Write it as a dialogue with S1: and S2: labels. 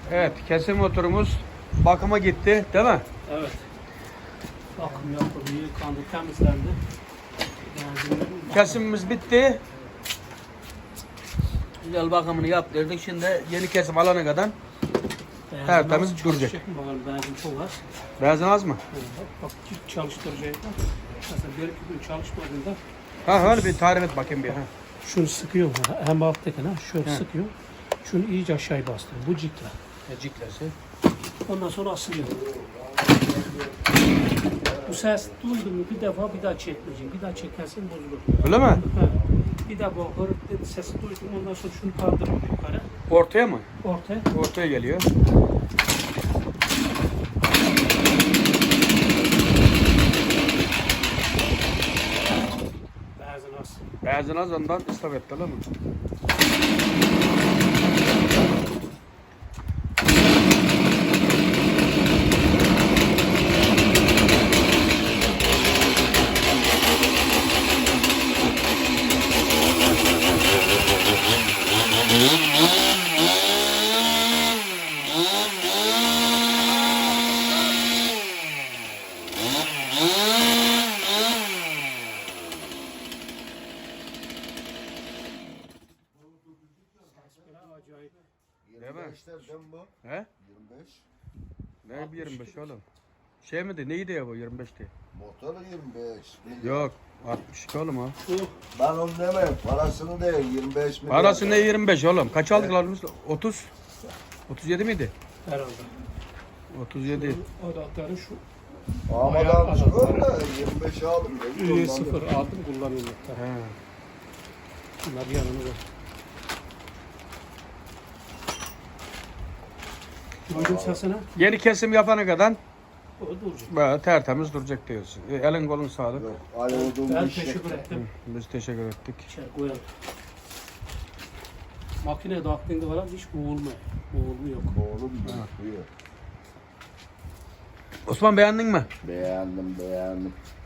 S1: Evet, kesim motorumuz bakıma gitti, değil mi?
S2: Evet. Bakım yapıldı, yıkandı, temizlendi.
S1: Kesimimiz bitti. Güzel bakımını yaptırdık. Şimdi yeni kesim alana kadar tertemiz duracak.
S2: Bakalım benzin çok az.
S1: Benzin az mı?
S2: Bak çalıştıracak. Mesela bir iki gün çalışmadığında
S1: Ha öyle bir tarif et bakayım bir. Ha.
S2: şunu sıkıyor hem alttakine şöyle sıkıyor. Şunu iyice aşağıya bastırıyor. Bu cikle.
S1: Ciklesi.
S2: Ondan sonra asılıyor. Bu ses duydu mu bir defa bir daha çekmeyeceksin. Bir daha çekersin bozulur.
S1: Öyle mi?
S2: Ha. Bir daha bu hırık dedi sesi duydum. Ondan sonra şunu kaldırıyor yukarı.
S1: Ortaya mı?
S2: Ortaya.
S1: Ortaya geliyor.
S2: Benzin az.
S1: Benzin az ondan ıslak etti, öyle mi?
S2: Acayip.
S3: 25'lerden bu.
S1: He?
S3: 25.
S1: Ne 25 oğlum? Şey miydi? Neydi ya bu 25'ti?
S3: Motor 25.
S1: Yok. 62 oğlum o.
S3: Ben onu demem. Parasını değil. 25 mi?
S1: Parası ne 25 oğlum? Kaç aldık lan biz? 30. 37 miydi?
S2: Herhalde.
S1: 37.
S2: Adaptörü şu.
S3: Amadan çıkıyor da 25 aldım.
S2: Sıfır aldım kullanıyorum.
S1: He.
S2: Bunlar yanımda. Duydum sesini.
S1: Yeni kesim yapana kadar
S2: O duracak.
S1: böyle tertemiz duracak diyorsun. Elin kolun sağlık.
S3: Yok. Ali olduğum
S2: Ben
S3: bir şey.
S2: teşekkür ettim.
S1: Biz teşekkür ettik.
S2: İçeri koyalım. Makine taktığında falan hiç boğulmuyor. Boğulma yok.
S3: Oğlum buyur.
S1: Osman beğendin mi?
S3: Beğendim.